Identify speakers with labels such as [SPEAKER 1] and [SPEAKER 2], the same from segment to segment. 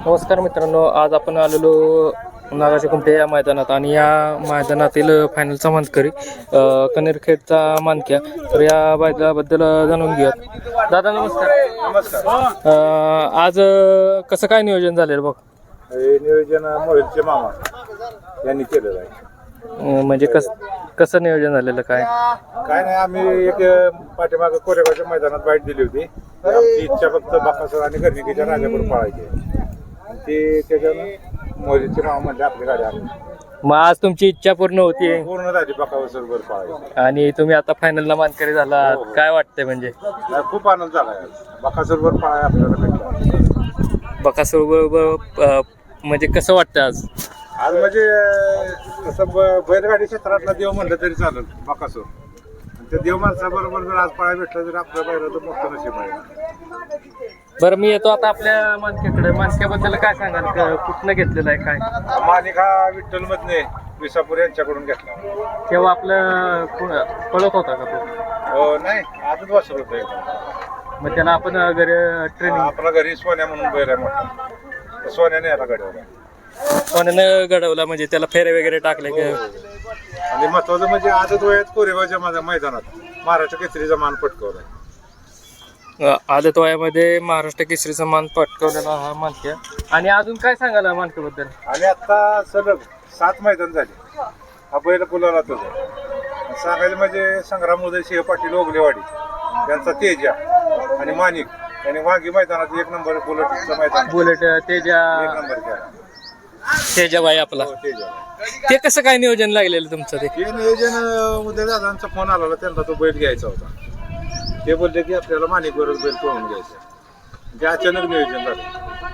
[SPEAKER 1] नमस्कार मित्रांनो, आज आपण आलेलो नागाच्या कुमटे या मैदानात आणि या मैदानातील फायनलचा मानकरी कनेरखेडचा मानक्या. तर या बैलाबद्दल जाणून घेऊयात. दादा नमस्कार.
[SPEAKER 2] नमस्कार.
[SPEAKER 1] आज कसं काय नियोजन झालेलं बघ?
[SPEAKER 2] हे नियोजन मोहिलचे मामा यांनी केलेलं आहे.
[SPEAKER 1] म्हणजे कसं नियोजन झालेलं काय
[SPEAKER 2] नाही, आम्ही एक पाठीमागं कोरेगावच्या मैदानात बाईट दिली होती. आमची इच्छा फक्त बाकासूर आणि गर्णिकीच्या राजाकडून पळायची आणि ते त्याच्यानं मोहिलचे मामा म्हणजे आपली गाडी आली.
[SPEAKER 1] मग आज तुमची इच्छा पूर्ण होती
[SPEAKER 2] पूर्ण झाली बाकासूरवर पळायची
[SPEAKER 1] आणि तुम्ही आता फायनलला मानकरी झाला. काय वाटतंय म्हणजे?
[SPEAKER 2] खूप आनंद झाला आहे. बाकासूरवर पळाय आपल्याला भेटला.
[SPEAKER 1] बकासूर म्हणजे कसं वाटतं आज?
[SPEAKER 2] आज म्हणजे तसं बैलगाडी क्षेत्रातला देव म्हणलं तरी चालेल बाकासूर. त्या देव माणसाबरोबर जर आज पळायला भेटलं तर आपल्या बैलाचं मोठं नशीब आहे.
[SPEAKER 1] बरं, मी येतो आता आपल्या मानक्याकडे. मानक्याबद्दल काय सांगाल? कुठनं घेतलेलं आहे काय?
[SPEAKER 2] माणिक हा विठ्ठल मधने विसापूर यांच्याकडून घेतला.
[SPEAKER 1] तेव्हा आपलं पळत होता का तो?
[SPEAKER 2] नाही, आजच वासर होतं.
[SPEAKER 1] मग त्याला आपण घरी ट्रेनिंग
[SPEAKER 2] आपला घरी सोन्या म्हणून बैल आहे मोठा. सोन्याने याला घडवला.
[SPEAKER 1] कोणानं घडवला म्हणजे त्याला फेरे वगैरे टाकले का?
[SPEAKER 2] आणि महत्वाचं म्हणजे आजच वयात कोरेगावच्या माझ्या मैदानात महाराष्ट्र केसरीचा मान पटकवलाय.
[SPEAKER 1] आदत वयामध्ये महाराष्ट्र केसरीचा मान पटकवलेला हा मानक्या. आणि अजून काय सांगाल मानक्याबद्दल?
[SPEAKER 2] आणि आता सलग 7 मैदान झाले हा बैल गुलालात होता. सांगायचं म्हणजे संग्राम उदय सिंह पाटील ओगलेवाडी यांचा तेजा आणि माणिक यांनी वाघी मैदानात 1 नंबर बुलेटचं मैदान
[SPEAKER 1] बुलेट तेजा
[SPEAKER 2] 1 नंबर केला.
[SPEAKER 1] तेजाबाई आपला.
[SPEAKER 2] तेजा
[SPEAKER 1] ते कसं काय नियोजन लागलेलं तुमचं? ते
[SPEAKER 2] हे नियोजन उद्या दादांचा फोन आला, त्यांना तो बैल घ्यायचा होता. ते बोलले की आपल्याला माणिक बरोबर बैल पळून घ्यायचं. ते अचानक नियोजन झालं.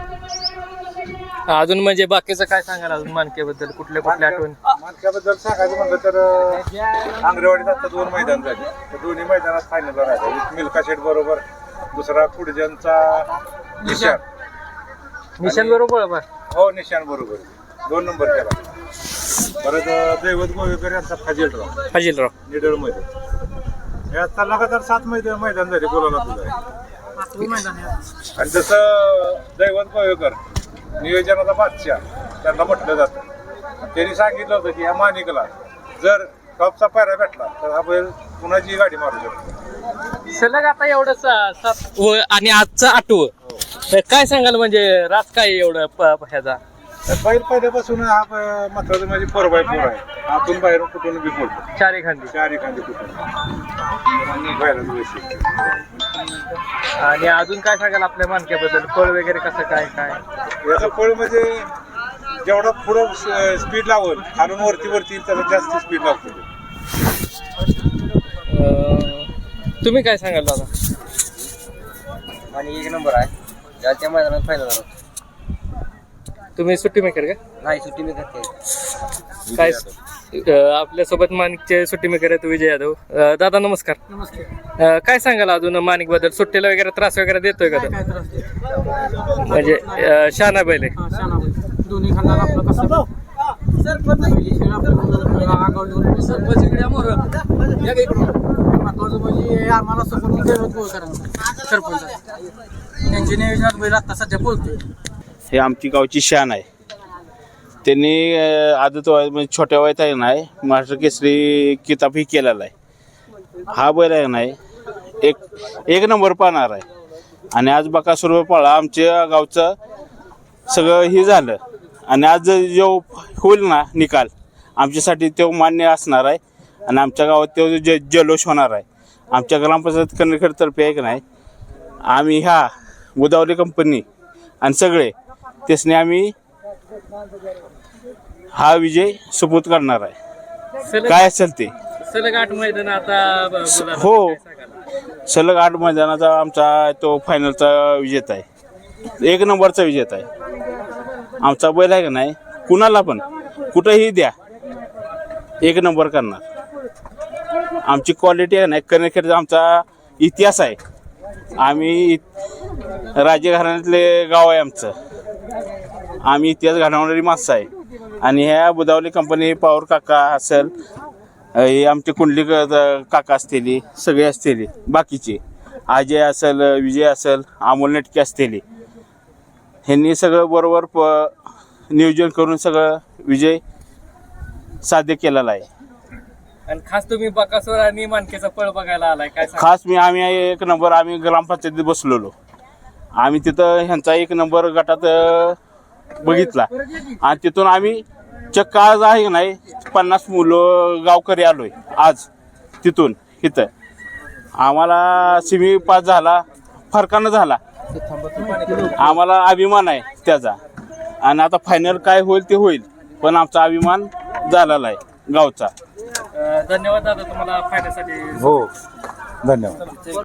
[SPEAKER 1] अजून म्हणजे बाकीचं काय सांगाल अजून मानक्याबद्दल? कुठल्या आठवण?
[SPEAKER 2] मानक्याबद्दल सांगायचं म्हणलं तर आंगरेवाडीत आता 2 मैदान झाले. तर दोन्ही मैदानात फायनलला राहिला. एक मिल्का शेठ बरोबर, दुसरा कुडजनचा
[SPEAKER 1] निशान बरोबर.
[SPEAKER 2] हो, निशान बरोबर 2 नंबर केला. परत दैवत गोवेकर यांचा
[SPEAKER 1] फाजीलराव
[SPEAKER 2] निडळ मध्ये. आता लगातार 7 मैदान झाले बोलायला तुझं. आणि जसं दैवत गोवेकर नियोजनाचा बादशाह त्यांना म्हटलं जातं. त्यांनी सांगितलं होतं की या माणिकला जर टॉपचा पायरा भेटला तर हा बैल कुणाची गाडी मारू शकतो.
[SPEAKER 1] सलग आता एवढं 7 आणि आजचं 8वं. काय सांगाल म्हणजे रात काय एवढं ह्याचा?
[SPEAKER 2] बैल पहिल्यापासून हा महत्वाचं म्हणजे 4x4 आहे. आतून बाहेरून कुठून बी बोलतो.
[SPEAKER 1] 4 एखादी
[SPEAKER 2] कुठून बाहेरच वैशिष्ट्य.
[SPEAKER 1] आणि अजून काय सांगाल आपल्या मानक्याबद्दल? फळ वगैरे कसं काय काय?
[SPEAKER 2] याचं फळ म्हणजे जेवढा पुढं स्पीड लावल खालून वरती त्याला जास्त स्पीड लागतो.
[SPEAKER 1] तुम्ही काय सांगाल दादा?
[SPEAKER 3] आणि 1 नंबर आहे. ज्याच्या मैदानात फायनल झाला.
[SPEAKER 1] तुम्ही सुट्टी मेकर का?
[SPEAKER 3] नाही, सुट्टी मी करते.
[SPEAKER 1] काय आपल्यासोबत माणिकचे सुट्टी मेकर आहेत विजय यादव. दादा नमस्कार.
[SPEAKER 3] नमस्कार.
[SPEAKER 1] काय सांगाल अजून माणिक बद्दल? सुट्टीला वगैरे त्रास वगैरे देतोय का तो? म्हणजे शहाणा बैल आहे.
[SPEAKER 3] दोन्ही खांदा आपलं कसं महत्वाचं म्हणजे आम्हाला सरपंच त्यांच्या नियोजनात बैल आता सध्या बोलतोय.
[SPEAKER 4] हे आमची गावची शान आहे. त्यांनी आदत वयात म्हणजे छोट्या वयात आहे नाही महाराष्ट्र केसरी किताबही केलेला आहे. हा बैल आहे नाही एक नंबर पाहणार आहे. आणि आज बकासूर पळा आमच्या गावचं सगळं हे झालं. आणि आज जो होईल ना निकाल आमच्यासाठी तो मान्य असणार आहे. आणि आमच्या गावात तो जल्लोष होणार आहे. आमच्या ग्रामपंचायत कनेरखेडतर्फे आहे की नाही आम्ही ह्या गोदावरी कंपनी आणि सगळे त्यासने आम्ही हा विजय सुपूत करणार आहे. काय असेल ते
[SPEAKER 1] सलग 8 मैदान आता.
[SPEAKER 4] हो, सलग 8 मैदानाचा आमचा तो फायनलचा विजेता आहे. 1 नंबरचा विजेता आहे. आमचा बैल आहे का नाही कुणाला पण कुठंही द्या 1 नंबर करणार. आमची क्वालिटी आहे नाही कनेरखेडचा आमचा इतिहास आहे. आम्ही राजघराण्यातले गाव आहे आमचं. आम्ही इतिहास घडवणारी माणसं आहे. आणि ह्या बुदावली कंपनी पवार काका असेल, हे आमचे कुंडली काका असतील, सगळे असतील, बाकीचे अजय असेल, विजय असेल, अमोल नेटके असतील, ह्यांनी सगळं बरोबर नियोजन करून सगळं विजय साध्य केलेला आहे.
[SPEAKER 1] आणि खास तुम्ही बकासूर आणि मानकेचा पळ बघायला आलाय, काय सांगाल?
[SPEAKER 4] खास आम्ही एक नंबर आम्ही ग्रामपंचायतीत बसलेलो. आम्ही तिथं ह्यांचा एक नंबर गटात बघितला आणि तिथून आम्ही चक्क आज आहे की नाही 50 मुलं गावकरी आलोय आज तिथून इथं. आम्हाला सेमी पास झाला, फरकानं झाला. आम्हाला अभिमान आहे त्याचा. आणि आता फायनल काय होईल ते होईल, पण आमचा अभिमान झालेला आहे गावचा.
[SPEAKER 1] धन्यवाद दादा तुम्हाला फायद्यासाठी.
[SPEAKER 2] हो, धन्यवाद.